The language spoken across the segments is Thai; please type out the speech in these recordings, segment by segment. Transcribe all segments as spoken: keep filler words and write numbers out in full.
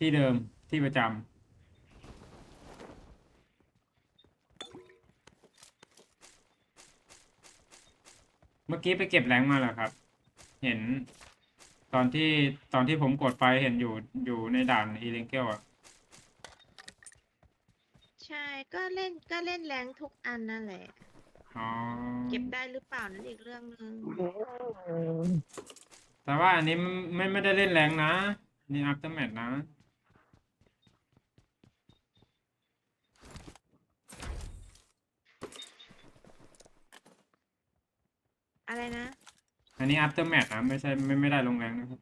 ที่เดิมที่ประจำเมื่อกี้ไปเก็บแรงค์มาเหรอครับเห็นตอนที่ตอนที่ผมกดไปเห็นอยู่อยู่ในด่านอีเลงเกลอ่ะใช่ก็เล่นก็เล่นแรงทุกอันนั่นแหละอ๋อเก็บได้หรือเปล่านั่นอีกเรื่องหนึ่งแต่ว่าอันนี้ไม่ไม่ได้เล่นแรงนะนี่อัพเตอร์แมทนะอะไรนะอันนี้อัพเตอร์แมทนะไม่ใช่ไม่ไม่ได้ลงแรงนะครับ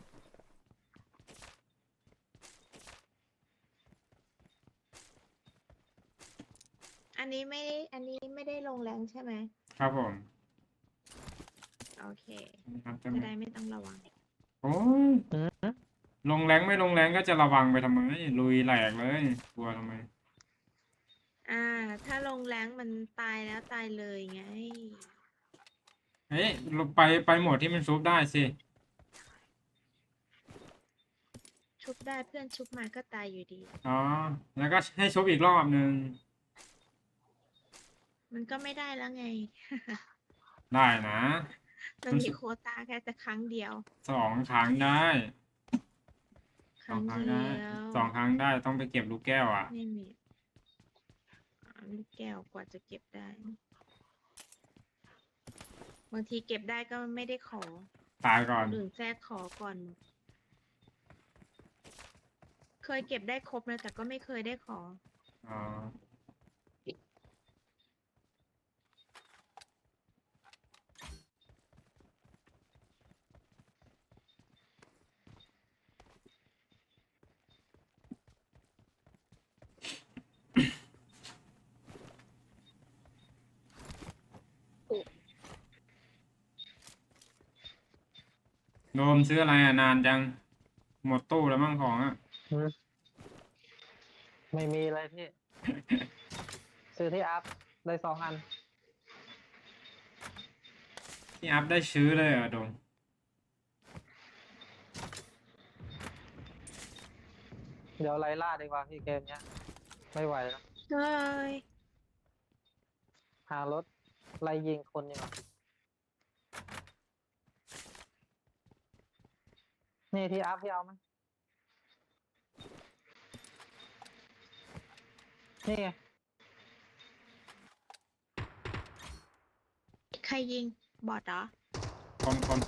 อันนี้ไม่ได้อันนี้ไม่ได้ลงแรงใช่ไหมครับผมโอเคอัพเตอร์จะแมทได้ไม่ต้องระวังโอ้ยลงแรงไม่ลงแรงก็จะระวังไปทำไมลุยแหลกเลยกลัวทำไมอ่าถ้าลงแรงมันตายแล้วตายเลยไงเฮ้ยเราไปไปโหมดที่มันชุบได้สิชุบได้เพื่อนชุบมาก็ตายอยู่ดีอ๋อแล้วก็ให้ชุบอีกรอบหนึ่งมันก็ไม่ได้แล้วไงได้นะมันมีมันชุบโควตาแค่แต่ครั้งเดียวสองครั้งได้ครั้งเดีสองครั้งได้ยวสองครั้งได้ต้องไปเก็บลูกแก้วอ่ะไม่มีอ่าลูกแก้วกว่าจะเก็บได้บางทีเก็บได้ก็ไม่ได้ขอตายก่อนคนอื่นแทรกขอก่อนหมดเคยเก็บได้ครบนะแต่ก็ไม่เคยได้ขออ๋อโดมซื้ออะไรอ่ะนานจังหมดตู้แล้วมั่งของอ่ะอืมไม่มีเลยพี่ ซื้อที่อัพได้สองอันที่อัพได้ชื้อเลยเหรอ่ะโดมเดี๋ยวไล่ล่าดีกว่าพี่เกมเนี้ย ไม่ไหวแล้วเฮ้ยหารถไล่ยิงคนดีกว่านี่ที่อัพพี่เอาไหมนี่ไงใครยิงบอดเหรอคนคน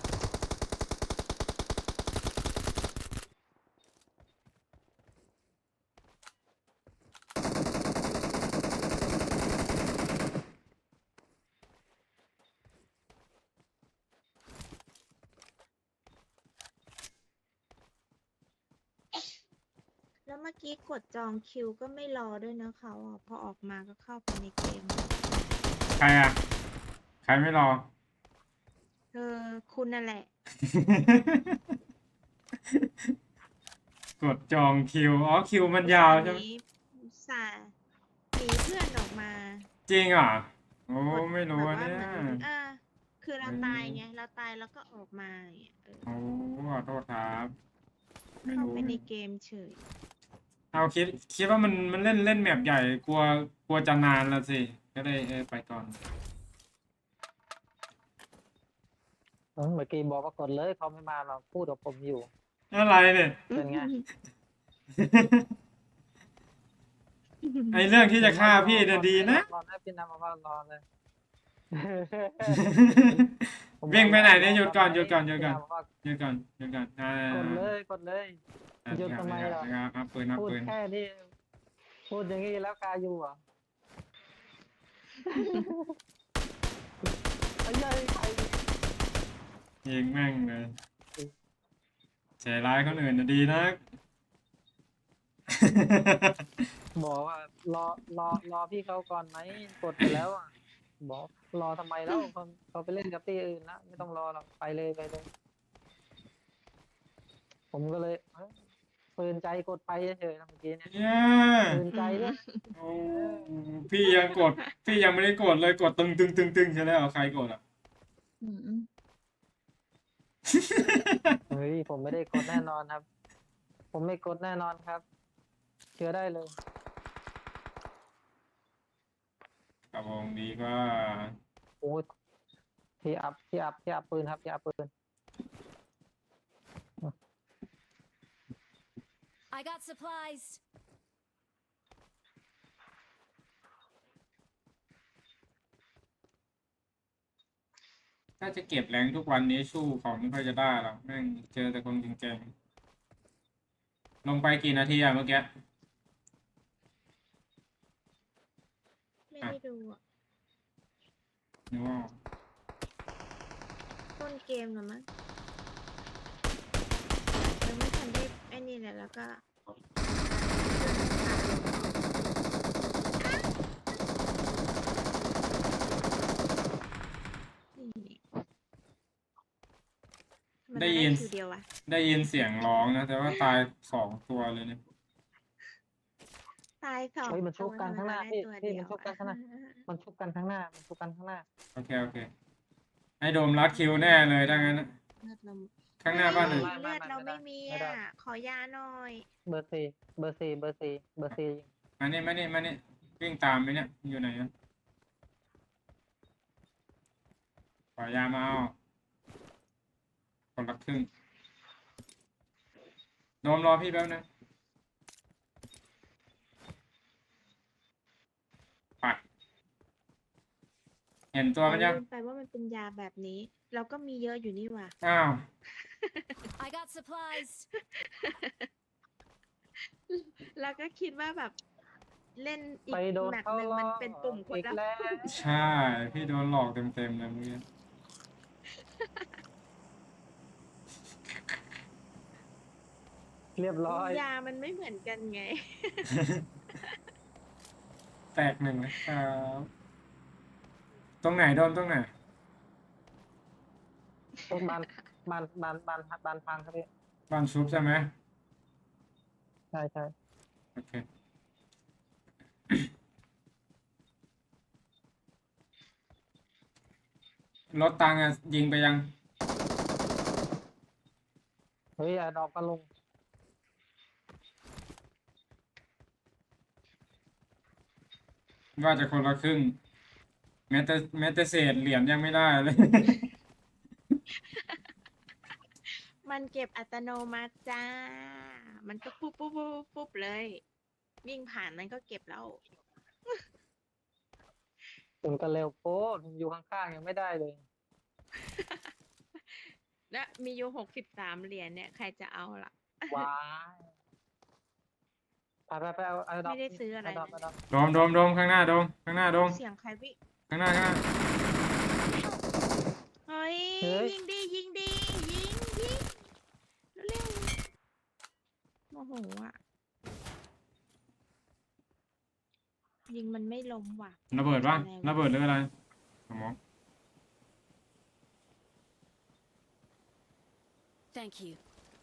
แล้วเมื่อกี้กดจองคิวก็ไม่รอด้วยนะเขาอ่ะพอออกมาก็เข้าไปในเกมใครอ่ะใครไม่รอเออคุณนั่นแหละกดจองคิวอ๋อคิวมันอุตยาส่าห์หนีวใช่ไหมอุตส่าห์หนีเพื่อนออกมาจริงเหรอ่ะโอ้กดไม่รู้แบบอันเนี่ยว่าเหมือนอ่าคือเเราตายไงออเราตายแล้วก็ออกมาอย่างเงี้ยเออโอ้ขอโทษครับไม่เข้ารู้ไปในเกมเฉยเอาคิดคิดว่ามันมันเล่นเล่นแมปใหญ่กลัวกลัวจะนานละสิก็เลยเออไปก่อนเออเมื่อกี้บอกว่ากดเลยเขาไม่มาเราพูดกับผมอยู่อะไรเนี่ยเป็นไงไอเรื่องที่ผมว่าจะฆ่ารอพี่รอเนี่ยดีได้รอนะรอได้พี่นำมาว่ารอเลย ผมวิ่งไปไหนรเนี่ยหยุดก่อนหยุดก่อนหยุดพี่ก่อนนำมาว่าหยุดก่อนหยุดก่อนอ่ากดเลยกดเลย หยุดทำไมคล่ะรับครับปืนครับพูดปืนแค่นี้พูดอย่างนี้แล้วกาอยู่เหรอ่ะ ไอ้ยัยใครยิงแม่งเลยใจร้ายคนอื่นน่ะดีนะบอกว่ารอรอรอพี่เขาก่อนไหมกดไปแล้วอ่ะบอกรอทำไมแล้วเขาเขาไปเล่นกับที่อื่นนะไม่ต้องรอหรอกไปเลยไปเลย ผมก็เลยเอ้ยปืนใจกดไปเฉยๆนะเมื่อกี้เนี่ยเนี่ยปืนใจด้วยโอ้พี่ยังกดพี่ยังไม่ได้กดเลยกดตึงตึงตึงตึงใช่แล้วใครกดอ่ะอืมเฮ้ยผมไม่ได้กดแน่นอนครับผมไม่กดแน่นอนครับ เชื่อได้เลยกระวงดีก็โอ้ยที่อัพที่อัพที่อัพปืนครับที่อัพปืน I got supplies. ถ้าจะเก็บแรงทุกวันนี้สู้เขาไม่ค่อยจะได้หรอกแม่งเจอแต่คนเก่งๆลงไปกี่นาทีอะเมื่อกี้ไม่ได้ดูอะนึกว่าต้นเกมเหรอมั้งยังไม่ทันได้ไอ้นี่เลยแล้วก็นี่ทำมเราได้ยินคิวเดียวอะได้ยินเสียงร้องนะ แต่ว่าตายสองตัวเลยเนี่ยตายสองเฮ้ยมันชุบกันตัวข้างหน้าทำไมพี่เรได้พี่ตัวมันชุบกันข้างหน้าเดียวอะมันชุบกันข้างหน้า มันชุบกันข้างหน้าโอเค โอเค ให้โดมรัดคิวแน่เลยถ้างั้นนะเลือดเราข้างหน้าบ้านหนึ่งเฮ้ยไม่เลือดเราไม่ไม่มีไม่ได้อ่ะ ขอยาหน่อยเบอร์สี่เบอร์สี่เบอร์สี่เบอร์สี่มานี่มานี่มานี่วิ่งตามไปเนี่ยอยู่ไหนอะขอยามาเอาคนละครึ่งโดมรอพี่แป๊บนึงไปเห็นตัวมันยังลืมไปว่ามันเป็นยาแบบนี้ เราก็มีเยอะอยู่นี่หว่าอ้าว I got supplies. แล้วก็คิดว่าแบบเล่นอีกไปโดนแมปเขาหนึ่งล้อมันเป็นปุ่มกดอีกแล้วแล้วใช่ พี่โดนหลอกเต็มๆเลยเมื่อกี้เรียบร้อยยามันไม่เหมือนกันไงแตกหนึ่งนะครับตรงไหนโดนตรงไหนต้นบานบานบานบานบานพังครับพี่บ้านชุบใช่ไหมใช่ใช่โอเค รถตังค์อะยิงไปยังเฮ้ยอย่าดอกกันลงว่าจะคนละครึ่ง แม้แต่แม้แต่เศษเหรียญยังไม่ได้เลยมันเก็บอัตโนมัติจ้า มันก็ปุ๊บปุ๊บปุ๊บปุ๊บเลย วิ่งผ่านมันก็เก็บแล้วถึงกันเร็วโป๊ะผมอยู่ข้างๆยังไม่ได้เลยและมีอยู่หกสิบสามเหรียญเนี่ย ใครจะเอาล่ะว้ายไปไปไปเอาเอาดอกไม่ได้ซื้ออะไรเาดอกเลยเอาดอกโดมโดมโดมข้างหน้าโดมข้างหน้าโดมเสียงใครวิ่งข้างหน้าข้างหน้าเฮ้ยเฮ้ยยิงดียิงดียิงยิงเร็วๆโมโหอ่ะ ยิงมันไม่ล้มว่ะระเบิดป่ะอะไรวะระเบิดหรืออะไรสมอง Thank you.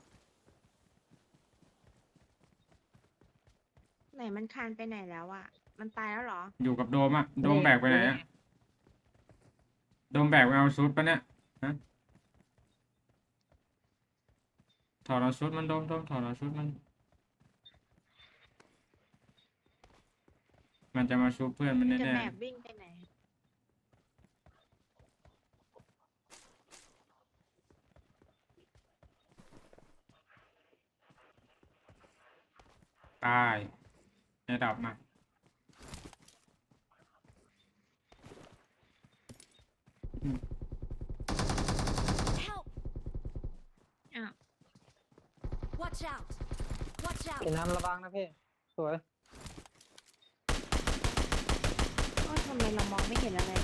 ไหนมันคานไปไหนแล้วอ่ะ มันตายแล้วเหรออยู่กับโดมอะโดมแบกไปไหนอะโดมแบกไปเอาชุดปะเนี่ยฮะถอดเอาชุดมันโดมโดมถอดเอาชุดมัน มันจะมาชุบเพื่อนมันจะแน่แบกวิ่งไปไหนๆตายให้ดับมา Help! อ้าว Watch out! Watch กิ out! นน้ำระวังนะพี่ สวยโอ้ยทำไมเรามองไม่เห็นอะไรเลย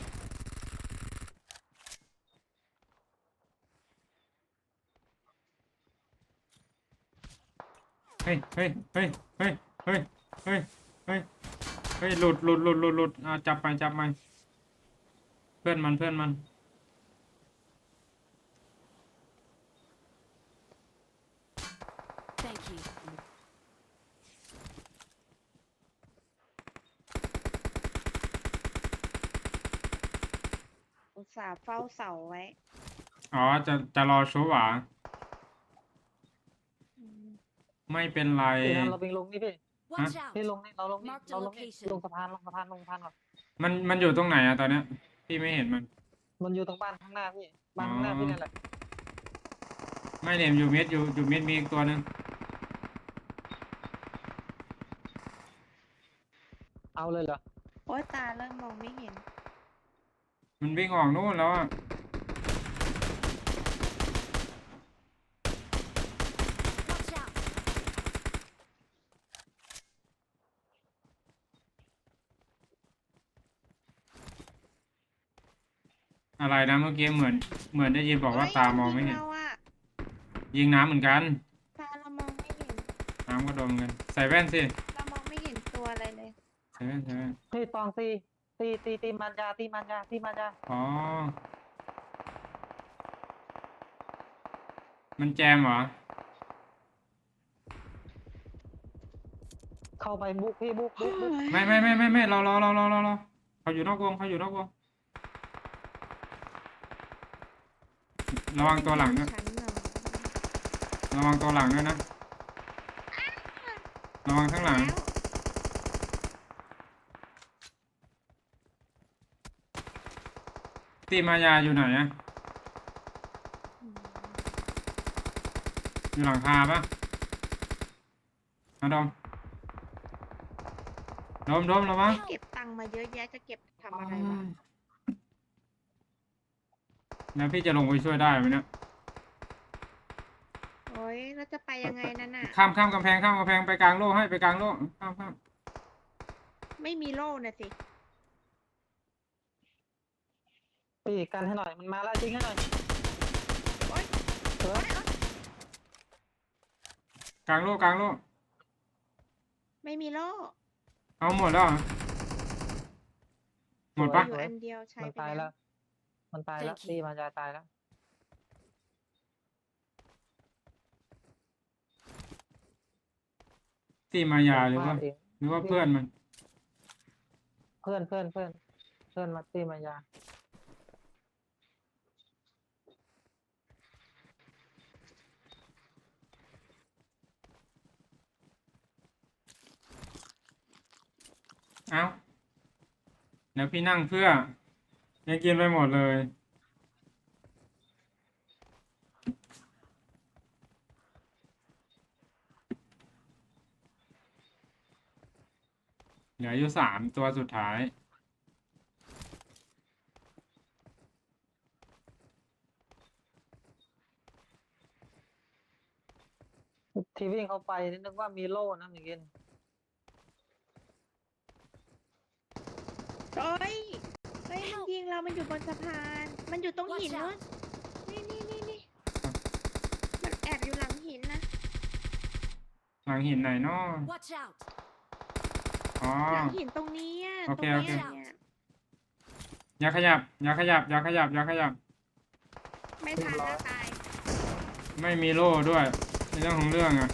เฮ้ยเฮ้ยเฮ้ยเฮ้ยเฮ้ยเฮ้ยเฮ้ยเฮ้ยหลุดหลุดหลุดหลุดหลุดอ่าจับไปจับไปเพื่อนมันเพื่อนมัน Thank you. อุตส่าห์เฝ้าเสาไว้อ๋อจะจะรอชุบหวาอืมไม่เป็นไรพี่นั้นเราไปลงนี่พี่ Watch out! พี่ลงนี่เราลงนี่ Mark the เราลงนี่ location ลงสะพานลงสะพานลงสะพานก่อนมันมันอยู่ตรงไหนอะตอนเนี้ยพี่ไม่เห็นมันมันอยู่ตรงบ้านข้างหน้าพี่บ้านข้างหน้าพี่นั่นแหละไม่เนี่ยอยู่เม็ดอยู่อยู่เม็ดมีอีกตัวหนึ่งเอาเลยเหรอโอ้ยตาเริ่มมองไม่เห็นมันวิ่งออกนู่นแล้วอะ Watch out! อะไรนะเมื่อกี้เหมือนเหมือนได้ยินบอกว่าเฮ้ยตามองไม่ยิเห็นเราอะยิงน้ำเหมือนกันตาเรามองไม่เห็นน้ำก็โดนกันใส่แว่นสิเรามองไม่เห็นตัวอะไรเลยใส่แว่นใส่แว่นเฮ้ยตองตีตีตีตีมันยาตีมันยาตีมันยาอ๋อมันแจมเหรอเข้าไปบุกพี่บุกบุกบุกไม่ไม่ไม่ไม่ไม่รอรอรอรอรอรอเขาอยู่นอกวงเขาอยู่นอกวงระวังตัวหลังด้วยฉันเหรอระวังตัวหลังด้วยนะระวังข้างหลังแล้วตีมายาอยู่ไหนอะอืมอยู่หลังคาปะมาดอมดอมดอมระวังเก็บตังค์มาเยอะแยะจะเก็บทำอะไรวะแล้วพี่จะลงไปช่วยได้ไหมเนี่ยโอ้ยเราจะไปยังไงนั่นน่ะข้ามข้ามกำแพงข้ามกำแพงไปกลางโลกให้ไปกลางโลกข้ามข้ามไม่มีโล่น่ะสิพี่กันให้หน่อยมันมาแล้วจริงให้หน่อยโอ๊ยเออกลางโลกกลางโลกไม่มีโล่เอาหมดแล้วเหรอหมดปะอยู่อันเดียวใช้มันไปตายแล้แล้ว ว มันตายแล้ว Thank you ตีมันยาตายแล้วตีมายาหรือว่าเองหรือว่าเพื่อนมันเพื่อนเพื่อนเพื่อนเพื่อนมาตีมันยาเอ้าแล้วพี่นั่งเพื่อยังกินไปหมดเลยเหลืออยู่สามตัวสุดท้ายที่วิ่งเข้าไปนึกว่ามีโล่นะเมื่อกี้โอ้ยเฮ้ยมันยิงเรา มันอยู่บนสะพาน มันอยู่ตรงหิน Watch นู้น out! นี่นี่นี่นี่มันแอบอยู่หลังหินนะหลังหินไหนเนาะ Watch out! อ๋อหลังหินตรงนี้อะโอตรเคงโอเนี้เคยเนี่ยอย่าขยับ อย่าขยับ อย่าขยับ อย่าขยับไม่ทันแล้วตายไม่มีโล่ด้วยในเรื่องของเรื่องอะ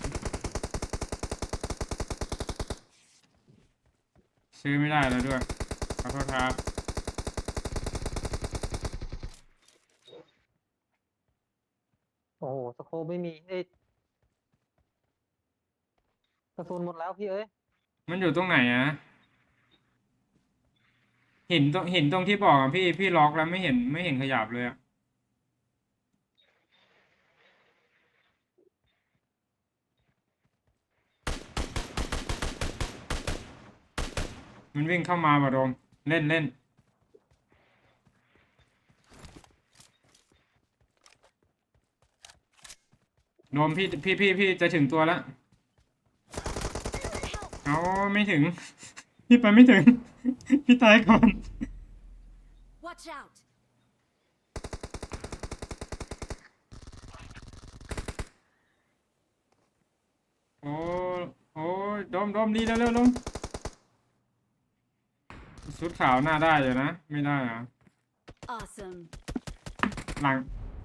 ซื้อไม่ได้แล้วด้วยขอโทษครับโอ้โหสโคปไม่มีเอ้ยกระสุนหมดแล้วพี่เอ้ยมันอยู่ตรงไหนอะเห็นตรงเห็นตรงที่บอกอะพี่พี่ล็อกแล้วไม่เห็นไม่เห็นขยับเลยอะมันวิ่งเข้ามาบ่ะโดมเล่นเล่นโดมพี่พี่พี่พี่จะถึงตัวแล้ว Help! เอาไม่ถึง พี่ไปไม่ถึง พี่ตายก่อน Watch out! โอ้โอ้ยโดมโดมดีแล้วเร็วลงชุดขาวหน้าได้อยู่นะ ไม่ได้เหรอ Awesome. หลัง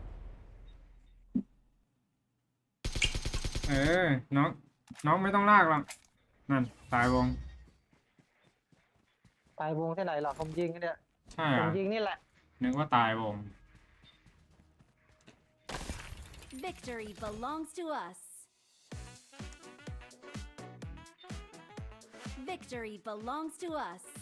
เออ น้อง น้องไม่ต้องลากหรอกนั่น ตายวงตายวงที่ไหนหรอผมยิงกันเนี่ยใช่ผเหรมอยิงนี่แหละนึกว่าตายวง Victory belongs to us. Victory belongs to us.